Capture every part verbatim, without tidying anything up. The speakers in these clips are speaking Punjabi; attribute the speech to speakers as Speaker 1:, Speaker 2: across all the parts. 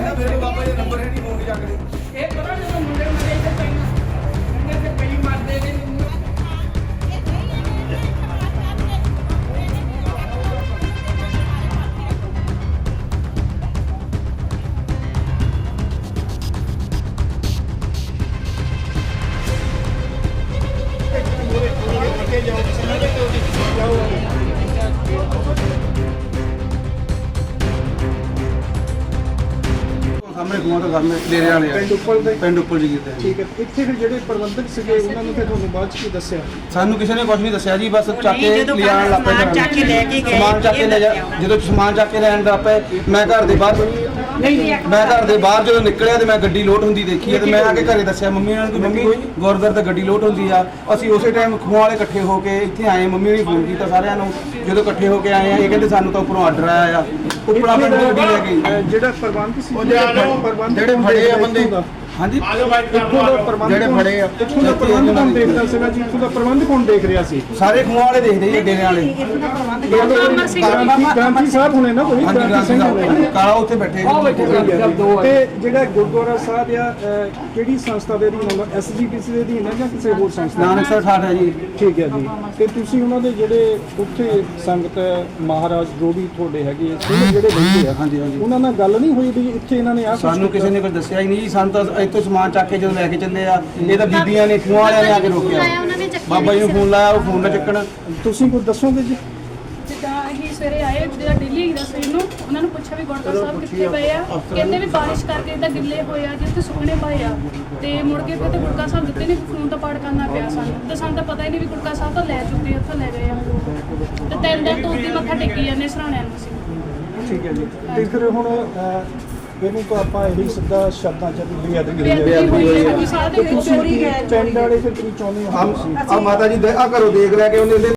Speaker 1: ना मेरे को बाबा ये नंबर है नहीं फोन जाकर
Speaker 2: ਇਹ ਪਤਾ ਜਦੋਂ ਮੁੰਡੇ ਮੁੰਡੇ ਇੱਥੇ ਪੈਣਾ ਮੁੰਡੇ ਤੇ ਪਈ ਮਾਰਦੇ ਨੇ
Speaker 1: सामने कुआं तो सामने डेरे वाले
Speaker 3: ਪਿੰਡ ਉੱਪਰ ਦੇ
Speaker 1: पिंड उपर जी गिरते
Speaker 3: ਠੀਕ ਹੈ। ਇੱਥੇ ਫਿਰ ਜਿਹੜੇ ਪ੍ਰਬੰਧਕ ਸੀਗੇ ਉਹਨਾਂ ਨੂੰ ਫਿਰ ਤੁਹਾਨੂੰ ਬਾਅਦ ਚ ਕੀ ਦੱਸਿਆ?
Speaker 1: ਸਾਨੂੰ ਕਿਸੇ ਨੇ ਕੁਝ ਨਹੀਂ ਦੱਸਿਆ ਜੀ ਬਸ ਚੱਕ ਕੇ ਲਿਆਣ ਲੱਗ ਪਏ
Speaker 4: ਸਮਾਨ ਚੱਕ ਕੇ ਲੈ ਕੇ ਗਏ
Speaker 1: ਸਮਾਨ ਚੱਕ ਕੇ ਲੈ ਜਾ ਜਦੋਂ ਸਮਾਨ ਚੱਕ ਕੇ ਲੈਣ ਲੱਗ ਪਏ ਮੈਂ ਘਰ ਦੇ ਬਾਹਰ ਮੈਂ ਘਰ ਦੇ ਬਾਹਰ ਜਦੋਂ ਨਿਕਲਿਆ ਤੇ ਮੈਂ ਗੱਡੀ ਲੋਡ ਹੁੰਦੀ ਦੇਖੀ ਤੇ ਮੈਂ ਆ ਕੇ ਘਰੇ ਦੱਸਿਆ ਮੰਮੀ ਨਾਲ ਕਿ ਮੰਮੀ ਗੁਰਦੁਆਰੇ ਤੇ ਗੱਡੀ ਲੋਡ ਹੁੰਦੀ ਆ ਅਸੀਂ ਉਸੇ ਟਾਈਮ ਖੂਹਾਂ ਵਾਲੇ ਇਕੱਠੇ ਹੋ ਕੇ ਇੱਥੇ ਆਏ ਮੰਮੀ ਨੇ ਫੋਨ ਕੀਤਾ ਸਾਰਿਆਂ ਨੂੰ ਜਦੋਂ ਇਕੱਠੇ ਹੋ ਕੇ ਆਏ ਆ ਇਹ ਕਹਿੰਦੇ ਸਾਨੂੰ ਤਾਂ ਉੱਪਰੋਂ ਆਰਡਰ ਆਇਆ ਆ ਉੱਪਰ ਆਪਣੀ ਗੱਡੀ ਲੈ ਕੇ
Speaker 3: ਅਹ ਜਿਹੜਾ ਪ੍ਰਬੰਧ ਸੀ ਪ੍ਰਬੰਧ
Speaker 1: ਜਿਹੜੇ ਫੜੇ ਆ ਬੰਦੇ ਹਾਂਜੀ
Speaker 3: ਇੱਥੋਂ ਦਾ ਪ੍ਰਬੰਧ
Speaker 1: ਜਿਹੜੇ ਫੜੇ ਆ
Speaker 3: ਇੱਥੋਂ ਦਾ ਪ੍ਰਬੰਧ ਕੌਣ ਦੇਖਦਾ ਸੀਗਾ ਜੀ? ਇੱਥੋਂ ਦਾ ਪ੍ਰਬੰਧ ਕੌਣ ਦੇਖ ਰਿਹਾ ਸੀ?
Speaker 1: ਸਾਰੇ ਖੂਹਾਂ ਵਾਲੇ ਦੇਖਦੇ ਜੀ ਡੇਰੇ ਵਾਲੇ
Speaker 3: ਗ੍ਰਾਂਥੀ ਗ੍ਰਾਂਥੀ ਸਾਹਿਬ ਹੁਣੇ ਨਾ ਕੋਈ
Speaker 1: ਹਾਂਜੀ
Speaker 3: ਗ੍ਰਾਂਥੀ ਸਿੰਘ ਹੋਣੇ
Speaker 1: ਕਾਲਾ ਉੱਥੇ ਬੈਠੇ
Speaker 3: ਤੇ ਜਿਹੜਾ ਗੁਰਦੁਆਰਾ ਸਾਹਿਬ ਆ ਅਹ, ਕਿਹੜੀ ਸੰਸਥਾ ਦੇ ਅਧੀਨ ਆਉਂਦਾ? ਐਸਜੀਪੀਸੀ ਦੇ ਅਧੀਨ ਹੈ ਜਾਂ ਕਿਸੇ ਹੋਰ ਸੰਸਥਾ?
Speaker 1: ਨਾਨਕ ਸਰ ਠਾਠ ਹੈ ਜੀ
Speaker 3: ਠੀਕ ਹੈ ਜੀ। ਤੇ ਤੁਸੀਂ ਉਹਨਾਂ ਦੇ ਜਿਹੜੇ ਉੱਥੇ ਸੰਗਤ ਹੈ, ਮਹਾਰਾਜ ਜੋ ਵੀ ਤੁਹਾਡੇ ਹੈਗੇ ਆ, ਉਹ ਜਿਹੜੇ ਰਹਿੰਦੇ ਆ
Speaker 1: ਹਾਂਜੀ ਹਾਂਜੀ
Speaker 3: ਉਹਨਾਂ ਨਾਲ ਗੱਲ ਨਹੀਂ ਹੋਈ ਵੀ ਇੱਥੇ ਇਹਨਾਂ ਨੇ ਆ
Speaker 1: ਸਾਨੂੰ ਕਿਸੇ ਨੇ ਕੁਝ ਦੱਸਿਆ ਹੀ ਨਹੀਂ ਜੀ ਸਾਨੂੰ ਤਾਂ ਇੱਥੋਂ ਸਮਾਨ ਚੱਕ ਕੇ ਜਦੋਂ ਲੈ ਕੇ ਚੱਲੇ ਆ ਇਹ ਤਾਂ ਬੀਬੀਆਂ ਨੇ ਖੂਹਾਂ ਵਾਲਿਆਂ ਨੇ ਆ ਕੇ ਰੋਕਿਆ ਬਾਬਾ ਜੀ ਨੂੰ ਫੋਨ ਲਾਇਆ ਉਹ ਫੋਨ ਨਾ ਚੱਕਣ
Speaker 3: ਤੁਸੀਂ ਕੁਝ ਦੱਸੋਗੇ ਜੀ?
Speaker 5: ਜਿੱਦਾਂ ਅਸੀਂ ਸਵੇਰੇ ਆਏ ਜਿਹੜਾ ਦਿੱਲੀ ਦਾ ਸਵੇਰ ਨੂੰ ਉਹਨਾਂ ਨੂੰ ਪੁੱਛਿਆ ਵੀ ਗੁਰਦੁਆਰਾ ਸਾਹਿਬ ਕਿੱਥੇ ਪਏ ਆ ਕਹਿੰਦੇ ਵੀ ਬਾਰਿਸ਼ ਕਰਕੇ ਇਦਾਂ ਗਿੱਲੇ ਹੋਏ ਆ ਜਿੱਥੇ ਸੁੱਕਣੇ ਪਏ ਆ ਤੇ ਮੁੜ ਕੇ ਫਿਰ ਤੇ ਗੁਰਕਾ ਸਾਹਿਬ ਦਿੱਤੇ ਨਹੀਂ ਫੋਨ ਤਾਂ ਪਾੜ ਕਰਨਾ ਪਿਆ ਸਾਨੂੰ ਤੇ ਸਾਨੂੰ ਤਾਂ ਪਤਾ ਹੀ ਨਹੀਂ ਵੀ ਗੁਰਕਾ ਸਾਹਿਬ ਤਾਂ ਲੈ ਚੁੱਕੇ ਉੱਥੋਂ ਲੈ ਗਏ ਆ ਤੇ ਤਿੰਨ ਦਿਨ ਤੋਂ ਉੱਤੇ ਮੱਥਾ ਟੇਕੀ ਜਾਂਦੇ ਸਰਾਣਿਆਂ ਨੂੰ ਅਸੀਂ
Speaker 3: ਠੀਕ ਹੈ ਜੀ। ਤੇ ਫਿਰ ਹੁਣ ਅਹ, ਇਹਨੂੰ ਤਾਂ ਆਪਾਂ ਇਹੀ ਸਿੱਧਾ ਸ਼ਬਦਾਂ ਚ ਬੇਅਦਬੀ ਹੋਈ ਹੈ।
Speaker 5: ਬੇਅਦਬੀ ਹੋਈ ਹੈ ਸਾਰੇ
Speaker 3: ਤੇ
Speaker 5: ਵਿੱਚ
Speaker 3: ਤੁਸੀਂ
Speaker 5: ਚੋਰੀ ਗਏ
Speaker 3: ਪਿੰਡ ਵਾਲੇ ਫਿਰ ਕੀ ਚਾਹੁੰਦੇ ਹੋ?
Speaker 1: ਆ ਮਾਤਾ ਜੀ ਆ ਘਰੋਂ ਦੇਖ ਲੈ ਕੇ ਉਹਨੇ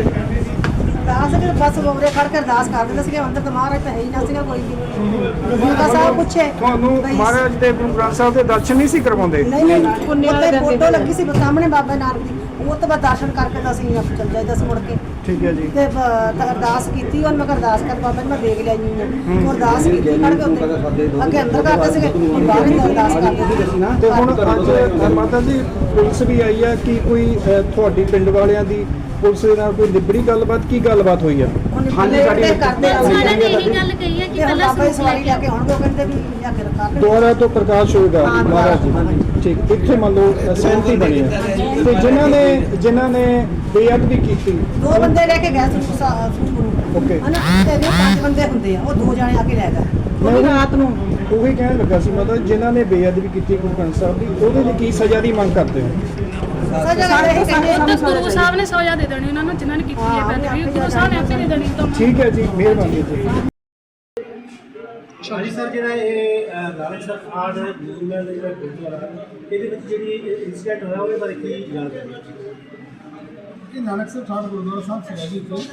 Speaker 4: ਅਰਦਾਸ ਕਿ ਬਸ ਬੋਰੇ ਖੜ ਕੇ ਅਰਦਾਸ ਕਰ ਦਿੰਦੇ ਸੀਗੇ ਅੰਦਰ ਤਾਂ ਮਹਾਰਾਜ ਤਾਂ ਹੈ ਹੀ ਨਾ ਸੀਗਾ ਕੋਈ ਵੀ ਗੁਰਕਾ ਸਾਹਿਬ ਪੁੱਛੇ
Speaker 3: ਤੁਹਾਨੂੰ ਮਹਾਰਾਜ ਦੇ ਗੁਰੂ ਗ੍ਰੰਥ ਸਾਹਿਬ ਦੇ ਦਰਸ਼ਨ ਨਹੀਂ ਸੀ ਕਰਵਾਉਂਦੇ?
Speaker 4: ਨਹੀਂ ਨਹੀਂ ਉੱਤੇ ਫੋਟੋ ਲੱਗੀ ਸੀ ਸਾਹਮਣੇ ਬਾਬਾ ਨਾਨਕ ਦੀ ਉਹ ਤੋਂ ਬਾਅਦ ਦਰਸ਼ਨ ਕਰਕੇ ਤਾਂ ਅਸੀਂ ਆਪ ਚੱਲ ਜਾਈਦਾ ਸੀ ਮੁੜ ਕੇ
Speaker 3: ਠੀਕ ਹੈ ਜੀ।
Speaker 4: ਤੇ ਬ- ਅਰਦਾਸ ਕੀਤੀ ਉਹ ਮੈਂ ਕਿਹਾ ਅਰਦਾਸ ਕਰ ਬਾਬਾ ਜੀ ਮੈਂ ਦੇਖ ਲਿਆ ਜੀ ਉਹ ਅਰਦਾਸ ਕੀਤੀ ਖੜ ਕੇ ਉੱਤੇ ਅੱਗੇ ਅੰਦਰ ਕਰਦੇ ਸੀਗੇ ਹੁਣ ਬਾਹਰ ਹੀ ਅਰਦਾਸ ਕਰਦੇ ਸੀ।
Speaker 3: ਤੇ ਹੁਣ ਅੱਜ ਮਾਤਾ ਜੀ ਪੁਲਿਸ ਵੀ ਆਈ ਆ ਕਿ ਕੋਈ ਅਹ, ਤੁਹਾਡੀ ਪਿੰਡ ਵਾਲਿਆਂ ਦੀ ਪੁਲਿਸ ਦੇ ਨਾਲ ਕੋਈ ਨਿਬੜੀ ਗੱਲਬਾਤ ਕੀ ਗੱਲਬਾਤ ਹੋਈ ਆ?
Speaker 4: ਹਾਂਜੀ ਸਾਡੀ ਕਰਦੇ ਆ
Speaker 6: ਸਾਰਿਆਂ ਨੇ ਇਹੀ ਗੱਲ ਕਹੀ ਹੈ ਕਿ
Speaker 4: ਤੇ
Speaker 6: ਪਹਿਲਾਂ
Speaker 4: ਬਾਬਾ ਜੀ ਸਵਾਰੀ ਲੈ ਕੇ ਆਉਣਗੇ ਉਹ ਕਹਿੰਦੇ ਵੀ ਜਾ ਕੇ ਰਖਾ ਲੈ
Speaker 3: ਦੁਆਰਾ ਤੋਂ ਪ੍ਰਕਾਸ਼ ਹੋਏਗਾ
Speaker 4: ਹਾਂ,
Speaker 3: ਮਹਾਰਾਜ ਜੀ ਠੀਕ ਇੱਥੇ ਮੰਨ ਲਓ ਅ, ਸਹਿਮਤੀ ਬਣੀ ਹੈ ਤੇ ਜਿਨ੍ਹਾਂ ਨੇ ਜਿਨ੍ਹਾਂ ਨੇ ਬੇਅਦਬੀ ਕੀਤੀ
Speaker 4: ਦੋ ਬੰਦੇ ਲੈ ਕੇ ਗਏ ਸੀ ਸੂਟ ਨੂੰ
Speaker 3: ਓਕੇ
Speaker 4: ਹਨਾ ਤੇ ਜੇ ਪੰਜ ਬੰਦੇ ਹੁੰਦੇ ਆ ਉਹ ਦੋ ਜਾਣੇ ਆ ਕੇ ਲੈ ਗਏ
Speaker 3: ਮੈਂ ਉਹ ਰਾਤ ਨੂੰ ਉਹੀ ਕਹਿਣ ਲੱਗਾ ਸੀ ਮਤਲਬ ਜਿਨ੍ਹਾਂ ਨੇ ਬੇਅਦਬੀ ਕੀਤੀ ਗੁਰੂ ਗ੍ਰੰਥ ਸਾਹਿਬ ਦੀ ਉਹਦੇ ਲਈ ਕੀ ਸਜ਼ਾ ਦੀ ਮੰਗ ਕਰਦੇ ਹੋ?
Speaker 4: ਸਜ਼ਾ ਇਹ ਕਹਿੰਦੇ
Speaker 5: ਤਾਂ ਗੁਰੂ ਸਾਹਿਬ ਨੇ ਸਜ਼ਾ ਦੇ ਦੇਣੀ ਉਹਨਾਂ ਨੂੰ ਜਿਨ੍ਹਾਂ ਨੇ ਕੀਤੀ ਹੈ ਬੇਅਦਬੀ ਗੁਰੂ ਸਾਹਿਬ ਨੇ ਆਪੇ ਦੇ ਦੇਣੀ ਤਾਂ
Speaker 3: ਠੀਕ ਹੈ ਜੀ ਮਿਹਰਬਾਨੀ ਜੀ।
Speaker 7: ਹਾਂਜੀ ਸਰ ਜਿਹੜਾ ਇਹ ਅਹ, ਨਾਨਕ ਸਰ ਆਰਟ ਮਿਊਜ਼ੀਅਮ ਦਾ ਜਿਹੜਾ ਗੁਰਦੁਆਰਾ ਇਹਦੇ ਵਿੱਚ ਜਿਹੜੀ ਇਨਸੀਡੈਂਟ ਹੋਇਆ ਉਹਦੇ ਬਾਰੇ ਕੀ ਜਾਣਕਾਰੀ ਹੈ?
Speaker 8: ਇਹ ਨਾਨਕਸਰ ਠਾਠ ਗੁਰਦੁਆਰਾ ਸਾਹਿਬ ਸੀਗਾ ਜੀ ਇੱਥੇ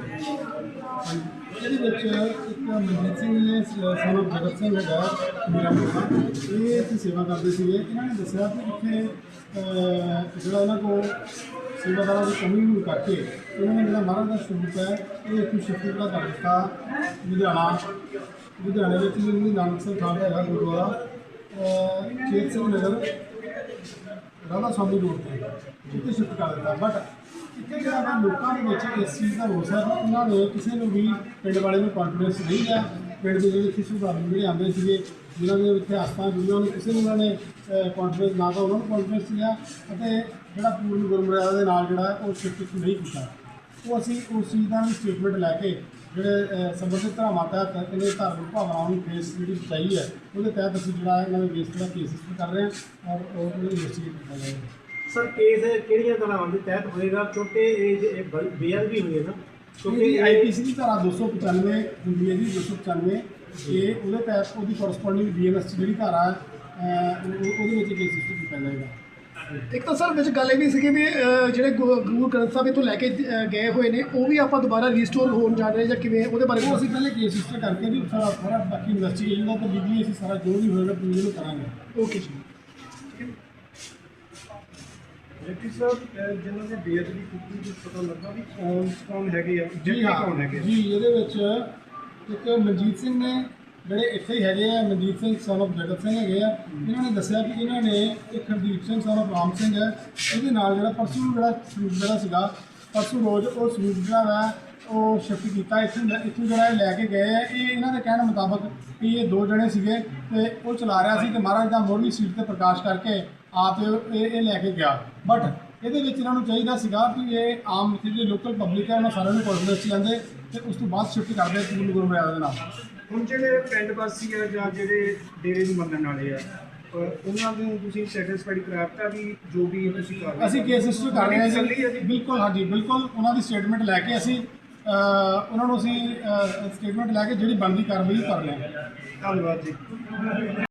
Speaker 8: ਇਹਦੇ ਵਿੱਚ ਇੱਕ ਮਨਜੀਤ ਸਿੰਘ ਨੇ ਸਾਨੂੰ ਜਗਤ ਸਿੰਘ ਹੈਗਾ ਮੇਰਾ ਮੁੰਡਾ ਇਹ ਇੱਥੇ ਸੇਵਾ ਕਰਦੇ ਸੀਗੇ ਇਹਨਾਂ ਨੇ ਦੱਸਿਆ ਕਿ ਇੱਥੇ ਅਹ, ਜਿਹੜਾ ਇਹਨਾਂ ਕੋਲ ਸੇਵਾਦਾਰਾਂ ਦੀ ਕਮੀ ਹੋਣ ਕਰਕੇ ਇਹਨਾਂ ਨੇ ਜਿਹੜਾ ਮਹਾਰਾਜ ਦਾ ਸਰੂਪ ਹੈ ਇਹ ਇੱਥੇ ਸ਼ਿਫਟ ਜਿਹੜਾ ਕਰ ਦਿੱਤਾ ਲੁਧਿਆਣਾ ਲੁਧਿਆਣੇ ਵਿੱਚ ਵੀ ਨਾਨਕਸਰ ਠਾਠ ਹੈਗਾ ਗੁਰਦੁਆਰਾ ਅਹ, ਚੇਤ ਸਿੰਘ ਨਗਰ ਰਾਧਾ ਸਵਾਮੀ ਰੋਡ ਤੇ ਜਿੱਥੇ ਸ਼ਿਫਟ ਕਰ ਦਿੱਤਾ ਬਟ ਇੱਥੇ ਜਿਹੜਾ ਵਾ ਲੋਕਾਂ ਦੇ ਵਿੱਚ ਇਸ ਚੀਜ਼ ਦਾ ਰੋਸ ਹੈ ਕਿ ਉਹਨਾਂ ਨੇ ਕਿਸੇ ਨੂੰ ਵੀ ਪਿੰਡ ਵਾਲੇ ਨੂੰ ਕੌਨਫੀਡੈਂਸ ਨਹੀਂ ਹੈ ਪਿੰਡ ਦੇ ਜਿਹੜੇ ਕਿਸੇ ਸੁਧਾਰੂ ਜਿਹੜੇ ਆਉਂਦੇ ਸੀਗੇ ਜਿਨ੍ਹਾਂ ਦੇ ਇੱਥੇ ਆਸਥਾ ਜੁੜੀਆਂ ਨੇ ਕਿਸੇ ਨੂੰ ਉਹਨਾਂ ਨੇ ਕੌਨਫੀਡੈਂਸ ਨਾ ਤਾਂ ਉਹਨਾਂ ਨੂੰ ਕੌਨਫੀਡੈਂਸ ਸੀਗਾ ਅਤੇ ਜਿਹੜਾ ਪੂਰਨ ਗੁਰਮਰਿਆਦਾ ਦੇ ਨਾਲ ਜਿਹੜਾ ਉਹ ਸ਼ਿਫਟ ਨਹੀਂ ਕੀਤਾ ਉਹ ਅਸੀਂ ਉਸ ਚੀਜ਼ ਦਾ ਵੀ ਸਟੇਟਮੈਂਟ ਲੈ ਕੇ ਜਿਹੜੇ ਸੰਬੰਧਿਤ ਧਾਰਾਵਾਂ ਤਹਿਤ ਇਹਨੇ ਧਾਰਮਿਕ ਭਾਵਨਾਵਾਂ ਨੂੰ ਫੇਸ ਜਿਹੜੀ ਬਚਾਈ ਹੈ ਉਹਦੇ ਤਹਿਤ ਅਸੀਂ ਜਿਹੜਾ ਇਹਨਾਂ ਦੇ ਬੇਸ 'ਤੇ ਕੇਸ ਕਰ ਰਹੇ ਹਾਂ ਔਰ ਉਹ ਇਨਵੈਸਟੀਗੇਟ ਕੀਤਾ ਜਾਏਗਾ।
Speaker 7: ਸਰ ਕੇਸ ਕਿਹੜੀਆਂ ਧਾਰਾਵਾਂ ਦੇ ਤਹਿਤ ਹੋਏਗਾ ਕਿਉਂਕਿ ਇਹ ਜੇ ਬੇਅਦਬੀ ਹੋਈ ਹੈ ਨਾ
Speaker 8: ਕਿਉਂਕਿ ਆਈਪੀਸੀ ਦੀ ਧਾਰਾ ਦੋ ਸੌ ਪਚਾਨਵੇਂ ਹੁੰਦੀ ਹੈ ਜੀ ਦੋ ਸੌ ਪਚਾਨਵੇਂ ਇਹ ਉਹਦੇ ਤਹਿਤ ਉਹਦੀ ਕੋਰਸਪੋਂਡਿੰਗ ਬੀਐਨਐਸ ਜਿਹੜੀ ਧਾਰਾ ਹੈ ਉਹਦੇ ਵਿੱਚ ਕੇਸ ਰਜਿਸਟਰ ਕੀਤਾ ਜਾਏਗਾ।
Speaker 9: ਇੱਕ ਤਾਂ ਸਰ ਵਿੱਚ ਗੱਲ ਇਹ ਵੀ ਸੀਗੀ ਵੀ ਅਹ, ਜਿਹੜੇ ਗੁ- ਗੁਰੂ ਗ੍ਰੰਥ ਸਾਹਿਬ ਇੱਥੋਂ ਲੈ ਕੇ ਅਹ, ਗਏ ਹੋਏ ਨੇ ਉਹ ਵੀ ਆਪਾਂ ਦੁਬਾਰਾ ਰੀਸਟੋਰ ਹੋਣ ਜਾ ਰਹੇ ਜਾਂ ਕਿਵੇਂ ਉਹਦੇ ਬਾਰੇ
Speaker 8: ਉਹ ਅਸੀਂ ਪਹਿਲੇ ਕੇਸ ਰਜਿਸਟਰ ਕਰਕੇ ਜੀ ਸਾਰਾ ਸਾਰਾ ਬਾਕੀ ਇਨਵੈਸਟੀਗੇਸ਼ਨ ਦਾ ਤਾਂ ਬੀਬੀ ਅਸੀਂ ਸਾਰਾ ਜੋ ਵੀ ਹੋਏਗਾ ਪੂਰੀ ਨੂੰ ਕਰਾਂਗੇ।
Speaker 9: ਓਕੇ ਜੀ।
Speaker 3: ਡਿਪਟੀ ਸਾਹਿਬ ਜਿਨ੍ਹਾਂ ਨੇ ਬੇਅਦਬੀ ਕੀਤੀ ਕੁਝ ਪਤਾ ਲੱਗਾ ਵੀ ਕੌਣ ਕੌਣ ਹੈਗੇ ਆ
Speaker 8: ਜੀ ਹਾਂ
Speaker 3: ਕੌਣ ਹੈਗੇ?
Speaker 8: ਜੀ ਇਹਦੇ ਵਿੱਚ ਇੱਕ ਮਨਜੀਤ ਸਿੰਘ ਨੇ ਜਿਹੜੇ ਇੱਥੇ ਹੀ ਹੈਗੇ ਆ ਮਨਜੀਤ ਸਿੰਘ son of ਜਗਤ ਸਿੰਘ ਹੈਗੇ ਆ, ਇਹਨਾਂ ਨੇ ਦੱਸਿਆ ਕਿ ਇਹਨਾਂ ਨੇ ਇੱਕ ਹਰਦੀਪ ਸਿੰਘ son of ਰਾਮ ਸਿੰਘ ਹੈ, ਇਹਦੇ ਨਾਲ ਜਿਹੜਾ ਪਰਸੋਂ ਜਿਹੜਾ ਸਲੂਕ ਜਿਹੜਾ ਸੀਗਾ ਪਰਸੋਂ ਰੋਜ਼ ਉਹ ਸਲੂਕ ਜਿਹੜਾ ਵਾ ਉਹ ਸ਼ਿਫਟ ਕੀਤਾ ਇੱਥੋਂ ਇੱਥੋਂ ਜਿਹੜਾ ਇਹ ਲੈ ਕੇ ਗਏ ਆ। ਇਹ ਇਹਨਾਂ ਦੇ ਕਹਿਣ ਮੁਤਾਬਕ ਕਿ ਇਹ ਦੋ ਜਣੇ ਸੀਗੇ ਤੇ ਉਹ ਚਲਾ ਰਿਹਾ ਸੀ ਤੇ ਮਹਾਰਾਜ ਦਾ ਮੋਰਨੀ ਸੀਟ ਤੇ ਪ੍ਰਕਾਸ਼ ਕਰਕੇ ਆਪ ਇਹ ਇਹ ਲੈ ਕੇ ਗਿਆ। ਬਟ ਇਹਦੇ ਵਿੱਚ ਇਹਨਾਂ ਨੂੰ ਚਾਹੀਦਾ ਸੀਗਾ ਕਿ ਇਹ ਆਮ ਜਿਹੜੀ ਲੋਕਲ ਪਬਲਿਕ ਹੈ ਉਹਨਾਂ ਸਾਰਿਆਂ ਨੂੰ ਕੋਰਪੋਰੇਟ 'ਚ ਜਾਂਦੇ ਤੇ ਉਸ ਤੋਂ ਬਾਅਦ ਸ਼ਿਫਟ ਕਰਦੇ ਪੂਰਨ ਗੁਰੂ ਮਰਿਆਦਾ ਦੇ ਨਾਲ।
Speaker 3: ਹੁਣ ਜਿਹੜੇ ਪਿੰਡ ਵਾਸੀ ਆ ਜਾਂ ਜਿਹੜੇ ਡੇਰੇ ਨੂੰ ਮੰਨਣ ਵਾਲੇ ਆ ਅਹ ਉਹਨਾਂ ਨੂੰ ਤੁਸੀਂ ਸੈਟੀਸਫਾਈਡ ਕਰਾਤਾ ਵੀ ਜੋ ਵੀ ਤੁਸੀਂ ਕਰ ਰਹੇ ਹੋ?
Speaker 8: ਅਸੀਂ ਕੇਸ ਰਜਿਸਟਰ ਕਰ ਰਹੇ ਹਾਂ ਜੀ, ਬਿਲਕੁਲ ਹਾਂਜੀ ਬਿਲਕੁਲ ਉਹਨਾਂ ਦੀ ਸਟੇਟਮੈਂਟ ਲੈ ਕੇ ਅਸੀਂ ਅਹ, ਉਹਨਾਂ ਨੂੰ ਅਸੀਂ ਸਟੇਟਮੈਂਟ ਲੈ ਕੇ ਜਿਹੜੀ ਬਣਦੀ ਕਾਰਵਾਈ ਕਰ ਰਹੇ ਹਾਂ।
Speaker 3: ਧੰਨਵਾਦ ਜੀ।